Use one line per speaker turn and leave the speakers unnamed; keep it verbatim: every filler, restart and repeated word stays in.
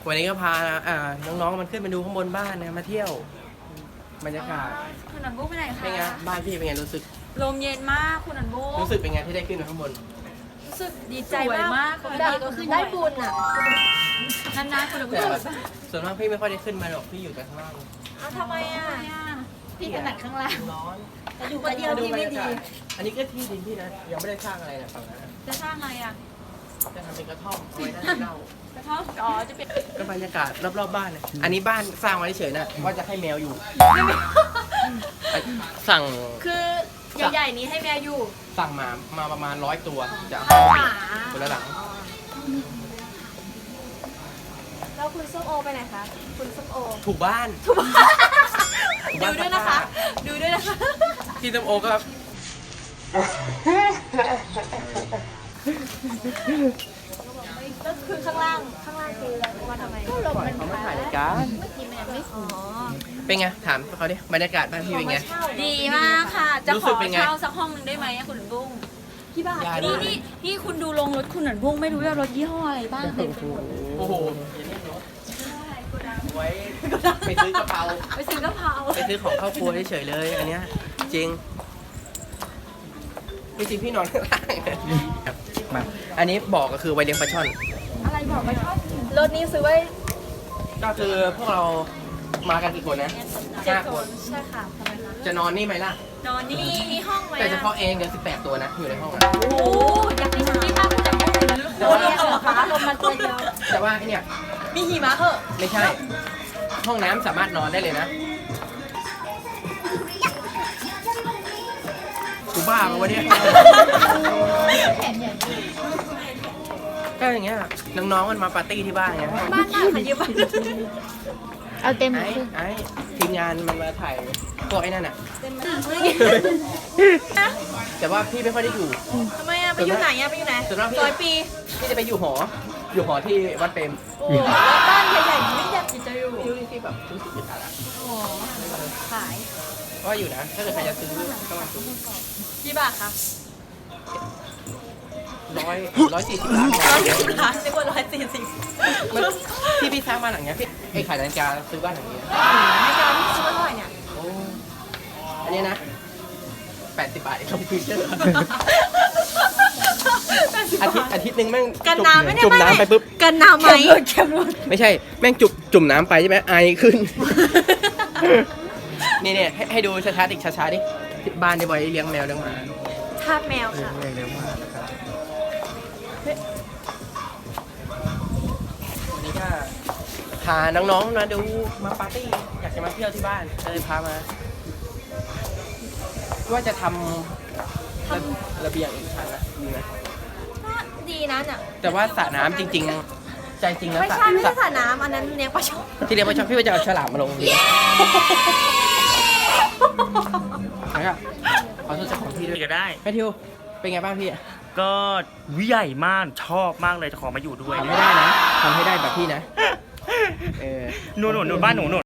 วันนี้ก็พาอ่าน้องๆมันขึ้นมาดูข้างบนบ้านนะมาเที่ยวบรรยากาศ
คุณอันบุ้งไปไหนคะ
เป็นไงบ้านพี่เป็นไงรู้สึก
ลมเย็นมากคุณอันบุ้ง
รู้สึกเป็นไงที่ได้ขึ้นมาข้างบน
รู้สึกดีใจมาก
ปกติก็คือได้บุญอ่ะ
นานๆคุณอันบุ้
แต่
ง
แบบส่วนมากพี่ไม่ค่อยได้ขึ้นมาหรอกพี่อยู่แต่ข้างล่าง
เอาทำไมอ่ะ
พี่ถนัดข้างล่าง
ร้อน
แต่อยู่คนเดียวที่ไม่ดี
อันนี้ก็ที่ดินพี่นะยังไม่ได้สร้างอะไรนะฝั่งนั้นนะ
จะสร้างอะไรอ่ะ
จะทำเป็นกระท่อมเอาไว้นั่งเล่าก
ระท่อมอ๋อจะเป็น
ก็บรรยากาศรอบๆบ้านนะอันนี้บ้านสร้างไว้เฉยๆนะว่าจะให้แมวอยู่สั่ง
คือใหญ่ๆนี้ให้แมวอยู่
สั่งมามาประมาณร้อยตัวจะ
หมา
คนละหลัง
แล้วคุณส้มโอไปไหนคะคุณส้มโอ
ถูกบ้าน
ดูด้วยนะคะ ดูด้วยนะคะ
พี่ส้มโอก็
ก็คือข้างล่างข้างล่างคือมาทำไมก็ลมมัน
เขามาถ่ายรายการ
เมื่อกี้มันยังไม่อ๋อ
เป็นไงถามเขาดิบรรยากาศบ้านพี่เป็นไง
ดีมากค่ะจะ
รู้
ข
สึ
อก
เป็นไง
เช่าสักห้องหนึงได้ไหมอะคุณอันบุ้ง
ที่บ้าน
ได้
นี่นี่นี่คุณดูลงรถคุณอันบุ้งไม่รู้ว่ารถยี่ห้ออะไรบ้างเต็มไปหมด
โอ้โหไว้ไปซื้อกระเพรา
ไปซื้อกะเพรา
ไปซื้อของเข้าครัวเฉยๆเลย อันเนี้ยจริงพี่จริงพี่นอนข้างล่างมาอันนี้บอกก็คือไวเลี้ยงปลาช่อน
อะไรบอกไปชอบ
รถนี้ซื้อไว้
ก็คือพวกเรามากันกี่คนนะ
เจ็ด
ห้า
ค
คน
นใช่ค่ะทำไมคะ
จะนอนนี่ไหมล่ะ
นอนนี่
มีมีห้องไหม
แต่เฉ
อ่ะ
พาะเองเดี๋ยวสิบแปดตัวนะอยู่ในห้องอะ
โอ้โหอยากได้ที่ภาพคุณอันบุ้งเลยนะ
แต่
โอ้
ว่า
เดียวเหรอคะลมมันตัวเดียว
แต่ว่าไอเนี่ย
มีหิมะเหอะ
ไม่ใช่ ห้องน้ำสามารถนอนได้เลยนะกูบ้าปะวะเนี่ยก็อย่างเงี้ยน้องๆมันมาปาร์ตี้ที่บ้านไง
บ้านหน้าขยืมบ้าน
เอาเต็ม
ไอ้ไอ้ทีมงานมันมาถ่ายพวกไอ้นั่นอ่ะ
เต็ม
แต่ว่าพี่ไม่ค่อยได้อยู่
ทำไมอ่ะไปอยู่ไหนอ่ะไปอยู่ไหน
ส่วนมากพี่
ซอยปี
พี่จะไปอยู่หอ อยู่หอที่วัดเปรม
โอ้บ้านใหญ่ๆไม่อยากจะอยู่
พี่รู้ที่แบบรู้สึกอึดอัดอะ
โอ้ขาย
ก็อยู่นะ ถ้าเกิดใครจะซื้อก็มาซื้อ
กี่บาทคะ
ร้อยร้อยสี่สิบล้าน
ร้อยสี่สิบล้านนึกว่าร้อยสี่สิบ
มันที่พี่สร้างบ้านหลังเนี้ยพี่ไอ้ขายนาฬิกาซื้อบ้านหลังนี้
ให้การที่ซื้อเท่าไหร่เนี่ย
โอ้อันนี้นะแปดสิบบาทไอ้คอมพิวเตอร์อาทิตย์อาทิตย์หนึ่งแม่ง
กันน้ำไหมเนี่ย
จุ่มน้ำไปปุ๊บ
กันน้ำไหม
ไม่ใช่ แม่งจุ่มจุ่มน้ำไปใช่ไหมไอขึ้น นี่เนี่ยให้ให้ดูช้าๆดิช้าๆดิที่บ้านในบอยเลี้ยงแมวเลี้ยงหมา
ทาสแมวค่ะ
เลี้ยงเลี้ยงหมานะครับวันนี้ก็พาน้องๆมาดูมาปาร์ตี้อยากจะมาเที่ยวที่บ้านก็เลยพามา ว่าจะทำระระเบียงอีกชั้นนะดีไหม
ก็ดีนะเนี่ย
แต่ว่าสระน้ำจริง ๆ ใจจริงแล้ว
ไม่
สระ
ใช่ไม่
ส
ใช่
ระ
สระน้ำอันนั้นเลี้ยงปลาช่อน
ที่เรียกว่าชอบพี่ว่าจะเอาฉลามมาลงดีแล้วก็ขอโทษเจ้าของที่ด้วย
ก็ได้
แมทธิวเป็นไงบ้างพี่
ก็วิใหญ่มากชอบมากเลยจะขอมาอยู่ด้วย
ทำให้ได้นะทำให้ได้แบบพี่นะเออ
หนูหนูหนูบ้านหนูหนู